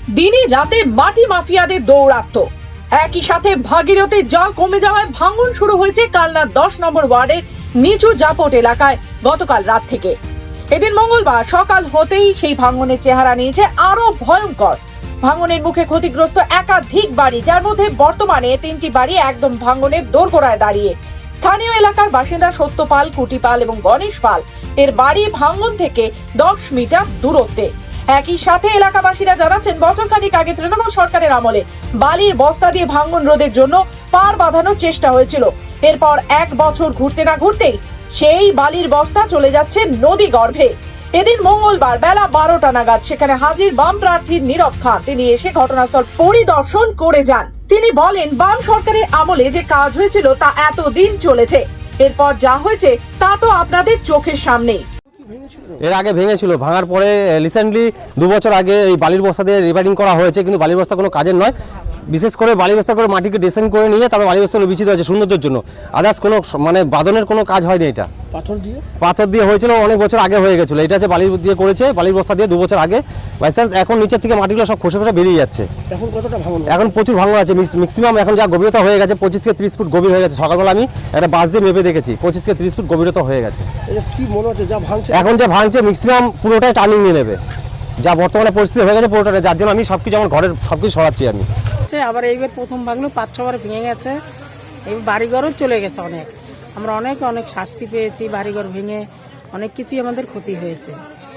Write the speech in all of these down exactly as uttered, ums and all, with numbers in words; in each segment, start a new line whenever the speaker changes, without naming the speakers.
দিনে রাতে মাটি মাফিয়াদের দৌরাত্ম, একই সাথে ভাগীরথীর জল কমে যাওয়ায় ভাঙন শুরু হয়েছে কালনার দশ নম্বর ওয়ার্ডের নিচু জাপট এলাকায় গতকাল রাত থেকে। এদিন মঙ্গলবার সকাল হতেই সেই ভাঙনের চেহারা নিয়েছে আরো ভয়ঙ্কর। ভাঙনের মুখে ক্ষতিগ্রস্ত একাধিক বাড়ি, যার মধ্যে বর্তমানে তিনটি বাড়ি একদম ভাঙনের দোরগোড়ায় দাঁড়িয়ে। স্থানীয় এলাকার বাসিন্দা সত্যপাল, কুটিপাল এবং গণেশ পাল এর বাড়ি ভাঙন থেকে দশ মিটার দূরত্বে। একই সাথে এলাকাবাসীরা জানাচ্ছেন, বছরখানেক আগে তৃণমূল সরকারের আমলে বালির বস্তা দিয়ে ভাঙন রোধের জন্য পার বাঁধানোর চেষ্টা হয়েছিল। এরপর এক বছর ঘুরতে না ঘুরতেই সেই বালির বস্তা চলে যাচ্ছে নদী গর্ভে। এদিন মঙ্গলবার বেলা বারোটা নাগাদ সেখানে হাজির বাম প্রার্থীর নীরব খান। তিনি এসে ঘটনাস্থল পরিদর্শন করে যান। তিনি বলেন, বাম সরকারের আমলে যে কাজ হয়েছিল তা এতদিন চলেছে, এরপর যা হয়েছে তা তো আপনাদের চোখের সামনেই।
এর আগে ভেঙেছিল, ভাঙার পরে রিসেন্টলি দু বছর আগে এই বালির বস্তা দিয়ে রিপেয়ারিং করা হয়েছে, কিন্তু বালির বস্তা কোনো কাজের নয়। বিশেষ করে বালি বস্তা করে মাটিকে ডিসেন্ড করে নিয়ে তারপর বালি বস্তাগুলো বিচিত হয়েছে সৌন্দর্যের জন্য। আদার্স কোনো মানে বাদনের কোনো কাজ হয়নি। এটা পাথর দিয়ে পাথর দিয়ে হয়েছিল, অনেক বছর আগে হয়ে গেছিলো। এটা হচ্ছে বালি দিয়ে করেছে, বালির বস্তা দিয়ে দু বছর আগে। বাই চান্স এখন নিচের থেকে মাটিগুলো সব খসে খসে বেরিয়ে যাচ্ছে। এখন কতটা ভাঙন? এখন প্রচুর ভাঙন আছে। ম্যাক্সিমাম এখন যা গভীরতা হয়ে গেছে পঁচিশ থেকে ত্রিশ ফুট গভীর হয়ে গেছে। সকালবেলা আমি একটা বাস দিয়ে মেপে দেখেছি, পঁচিশ থেকে ত্রিশ ফুট গভীরতা হয়ে গেছে।
কি মনে হচ্ছে যা ভাঙছে?
এখন যা ভাঙছে ম্যাক্সিমাম পুরোটাই টার্নিং নিয়ে নেবে, যা বর্তমানে পরিস্থিতি হয়ে গেছে পুরোটা, যার জন্য আমি সবকিছু আমার ঘরের সবকিছু সরাচ্ছি আমি।
আবার এইবার প্রথম ভাঙলো, পাঁচ ছবার ভেঙে গেছে। এবার বাড়িঘরও চলে গেছে অনেক। আমরা অনেক অনেক শাস্তি পেয়েছি, বাড়িঘর ভেঙে অনেক কিছুই আমাদের ক্ষতি হয়েছে।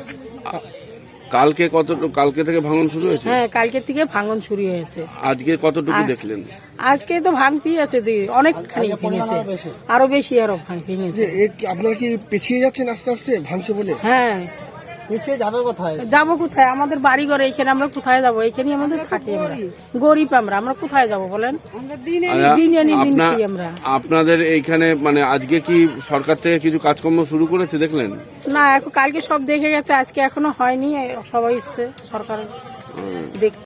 কালকে কত কালকে থেকে ভাঙন শুরু হয়েছে?
হ্যাঁ, কালকে থেকে ভাঙন শুরু হয়েছে।
আজকে কতটুকু দেখলেন?
আজকে তো ভাঙতেই আছে, অনেকখানি ভেঙেছে, আরো বেশি আরো ভেঙেছে।
আপনারা কি পিছিয়ে যাচ্ছেন আস্তে আস্তে ভাঙছে বলে?
হ্যাঁ,
পিছিয়ে যাবে কোথায়?
যাবো কোথায়? আমাদের বাড়ি ঘরে এইখানে, আমরা কোথায় যাবো? এইখানে আমাদের থাকি, আমরা গরিব, আমরা আমরা কোথায় যাবো বলেন? দিন আনি দিন খাই আমরা।
আপনাদের এইখানে মানে আজকে কি সরকার থেকে কিছু কাজকর্ম শুরু করেছে দেখলেন?
না, এখন কালকে সব দেখে গেছে, আজকে এখনো হয়নি। সবাই এসছে সরকার দেখ